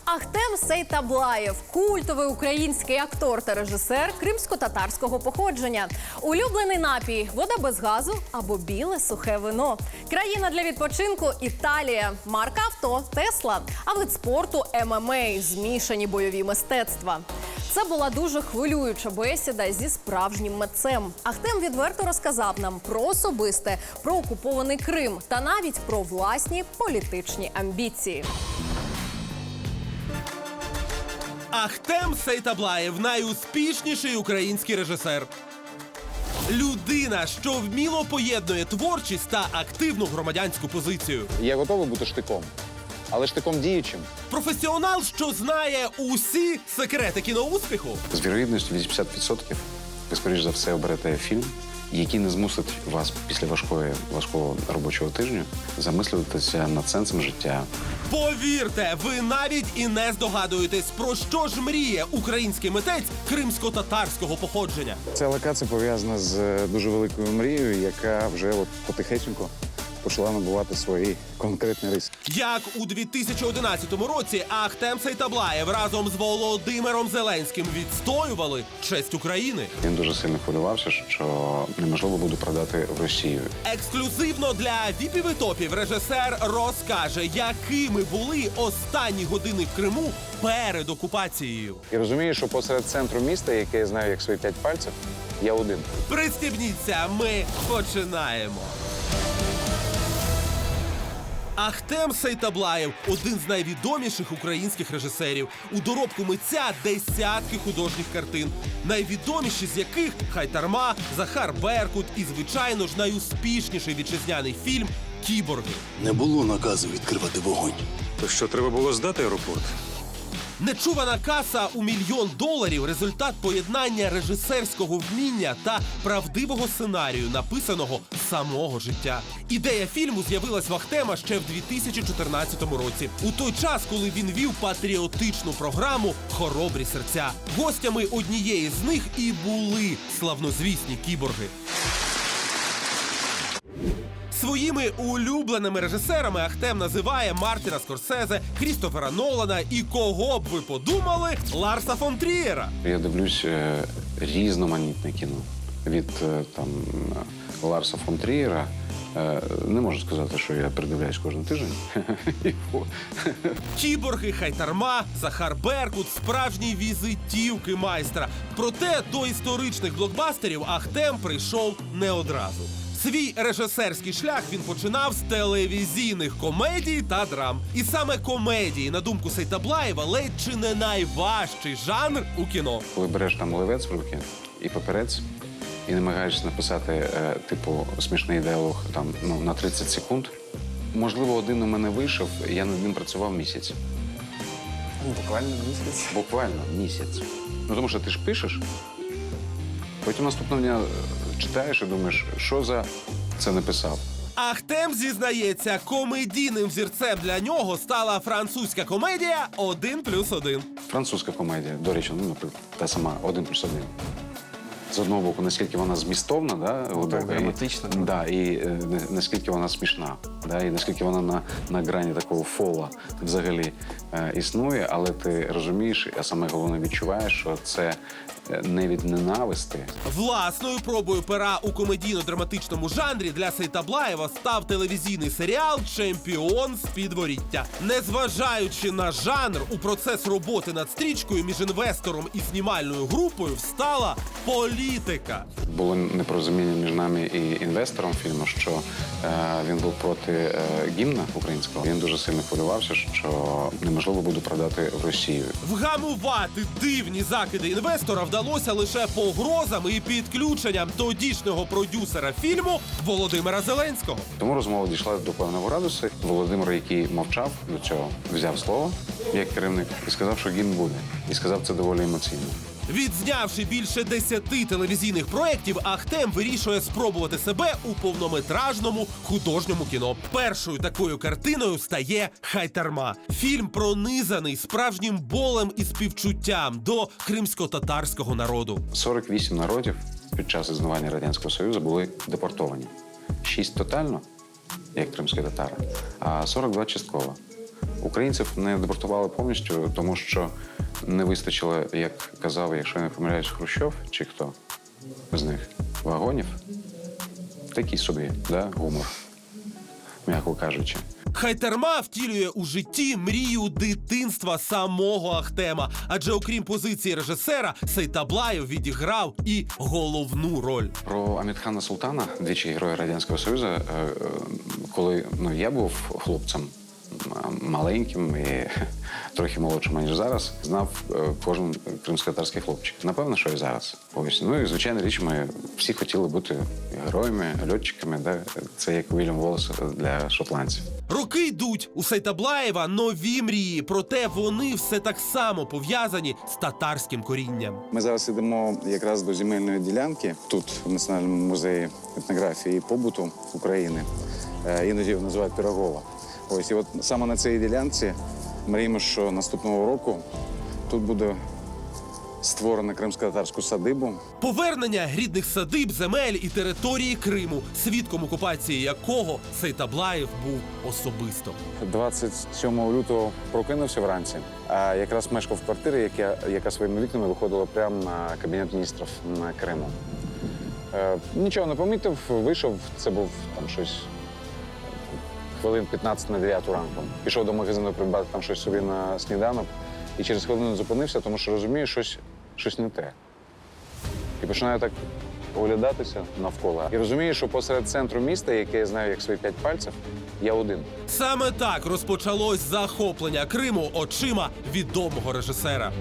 Ахтем Сейтаблаєв – культовий український актор та режисер кримсько-татарського походження. Улюблений напій – вода без газу або біле сухе вино. Країна для відпочинку – Італія. Марка авто – Тесла. А вид спорту – ММА – змішані бойові мистецтва. Це була дуже хвилююча бесіда зі справжнім митцем. Ахтем відверто розказав нам про особисте, про окупований Крим та навіть про власні політичні амбіції. Ахтем Сейтаблаєв – найуспішніший український режисер. Людина, що вміло поєднує творчість та активну громадянську позицію. Я готовий бути штиком, але штиком діючим. Професіонал, що знає усі секрети кіноуспіху. З вірогідністю 80% ви, скоріш за все, оберете фільм, який не змусить вас після важкого робочого тижня замислюватися над сенсом життя. Повірте, ви навіть і не здогадуєтесь, про що ж мріє український митець кримсько-татарського походження. Ця локація пов'язана з дуже великою мрією, яка вже потихеньку почала набувати свої конкретні риси. Як у 2011 році Ахтем Сейтаблаєв разом з Володимиром Зеленським відстоювали честь України. Він дуже сильно хвилювався, що неможливо буде продати в Росію. Ексклюзивно для віпів і топів режисер розкаже, якими були останні години в Криму перед окупацією. І розумію, що посеред центру міста, яке я знаю як свої 5 пальців, я один. Пристібніться, ми починаємо. Ахтем Сейтаблаєв – один з найвідоміших українських режисерів. У доробку митця десятки художніх картин, найвідоміші з яких «Хайтарма», «Захар Беркут» і, звичайно ж, найуспішніший вітчизняний фільм «Кіборги». Не було наказу відкривати вогонь. То що, треба було здати аеропорт? Нечувана каса у $1 мільйон – результат поєднання режисерського вміння та правдивого сценарію, написаного з самого життя. Ідея фільму з'явилась в Ахтема ще в 2014 році, у той час, коли він вів патріотичну програму «Хоробрі серця». Гостями однієї з них і були славнозвісні кіборги. Своїми улюбленими режисерами Ахтем називає Мартіна Скорсезе, Крістофера Нолана і, кого б ви подумали, Ларса фон Трієра. Я дивлюсь різноманітне кіно. Від Ларса фон Трієра. Не можу сказати, що я передивляюсь кожен тиждень. Кіборги, Хайтарма, Захар Беркут – справжні візитівки майстра. Проте до історичних блокбастерів Ахтем прийшов не одразу. Свій режисерський шлях він починав з телевізійних комедій та драм. І саме комедії, на думку Сейтаблаєва, ледь чи не найважчий жанр у кіно. Коли береш там олівець в руки і папірець, і намагаєшся написати, смішний діалог на 30 секунд, можливо, один у мене вийшов, я над ним працював місяць. Буквально місяць? Буквально місяць. Тому що ти ж пишеш, потім наступного дня читаєш і думаєш, що за це написав. Ахтем зізнається, комедійним взірцем для нього стала французька комедія «1+1». Французька комедія, до речі, наприклад, та сама «1+1». З одного боку, наскільки вона змістовна, глибока, драматична. І наскільки вона смішна, і наскільки вона на грані такого фола взагалі існує, але ти розумієш, а саме головне відчуваєш, що це не від ненависти. Власною пробою пера у комедійно-драматичному жанрі для Сейтаблаєва став телевізійний серіал «Чемпіон з підворіття». Незважаючи на жанр, у процес роботи над стрічкою між інвестором і знімальною групою встала політика. Було непорозуміння між нами і інвестором фільму, що він був проти гімна українського. Він дуже сильно хвилювався, що неможливо буде продати в Росію. Вгамувати дивні закиди інвестора вдалося лише погрозами і підключенням тодішнього продюсера фільму Володимира Зеленського. Тому розмова дійшла до певного градусу. Володимир, який мовчав до цього, взяв слово як керівник і сказав, що гімн буде. І сказав це доволі емоційно. Відзнявши більше 10 телевізійних проєктів, Ахтем вирішує спробувати себе у повнометражному художньому кіно. Першою такою картиною стає «Хайтарма». Фільм пронизаний справжнім болем і співчуттям до кримсько-татарського народу. 48 народів під час існування Радянського Союзу були депортовані. 6 тотально, як кримські татари, а 42 частково. Українців не депортували повністю, тому що не вистачило, як казав, якщо я не помиляюсь, Хрущов чи хто з них, вагонів. Такий собі, да, гумор, м'яко кажучи. Хайтерма втілює у житті мрію дитинства самого Ахтема. Адже окрім позиції режисера, Сейтаблаєв відіграв і головну роль. Про Амітхана Султана, двічі Героя Радянського Союзу, коли я був хлопцем маленьким і трохи молодшим, ніж зараз, знав кожен кримськотатарський хлопчик. Напевно, що і зараз. Ось. Ну і, звичайно, річ, ми всі хотіли бути героями, льотчиками. Да? Це як Вільям Волес для шотландців. Роки йдуть. У Сейтаблаєва нові мрії, проте вони все так само пов'язані з татарським корінням. Ми зараз йдемо якраз до земельної ділянки тут, в Національному музеї етнографії і побуту України. Іноді його називають Пірогова. Ось, і от саме на цій ділянці мріємо, що наступного року тут буде створено кримсько-татарську садибу. Повернення рідних садиб, земель і території Криму, свідком окупації якого Сейтаблаєв був особисто. 27 лютого прокинувся вранці, а якраз мешкав в квартирі, яка своїми вікнами виходила прямо на Кабінет міністрів на Криму. Нічого не помітив, вийшов, це був там щось хвилин 15 на 9 ранку. Пішов до магазину придбати там щось собі на сніданок і через хвилину зупинився, тому що розумію, щось не те. І починаю так оглядатися навколо. І розумію, що посеред центру міста, яке я знаю як свої 5 пальців, я один. Саме так розпочалось захоплення Криму очима відомого режисера.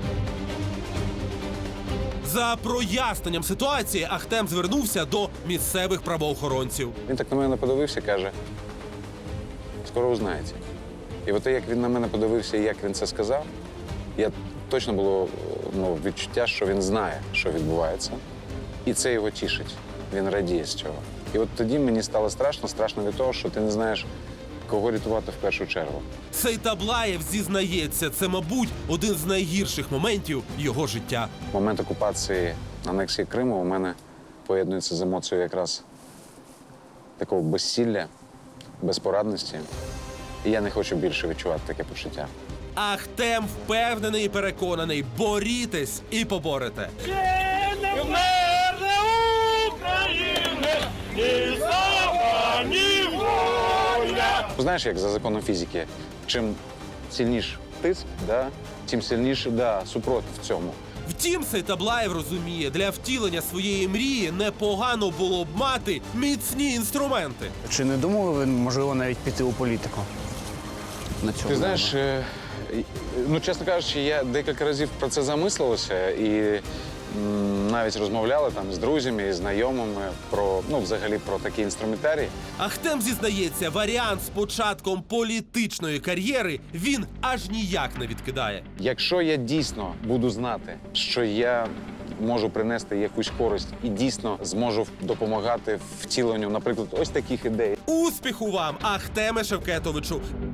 За проясненням ситуації Ахтем звернувся до місцевих правоохоронців. Він так на мене подивився, каже, скоро узнаєте. І от як він на мене подивився і як він це сказав, я точно було відчуття, що він знає, що відбувається. І це його тішить. Він радіє з цього. І от тоді мені стало страшно від того, що ти не знаєш, кого рятувати в першу чергу. Сейтаблаєв зізнається, це, мабуть, один з найгірших моментів його життя. Момент окупації, анексії Криму у мене поєднується з емоцією якраз такого безсилля, безпорадності. І я не хочу більше відчувати таке почуття. Ахтем впевнений і переконаний, борітесь і поборете. Знаєш, як за законом фізики, чим сильніш тиск, тим сильніше супротив в цьому. Втім, Сейтаблаєв розуміє, для втілення своєї мрії непогано було б мати міцні інструменти. Чи не думали ви, можливо, навіть піти у політику? На цьому Ти знаєш, чесно кажучи, я декілька разів про це замислився і навіть розмовляли там з друзями і знайомими взагалі про такий інструментарій. Ахтем зізнається, варіант з початком політичної кар'єри він аж ніяк не відкидає. Якщо я дійсно буду знати, що я можу принести якусь користь і дійсно зможу допомагати втіленню, наприклад, ось таких ідей. Успіху вам, Ахтеме Шевкетовичу!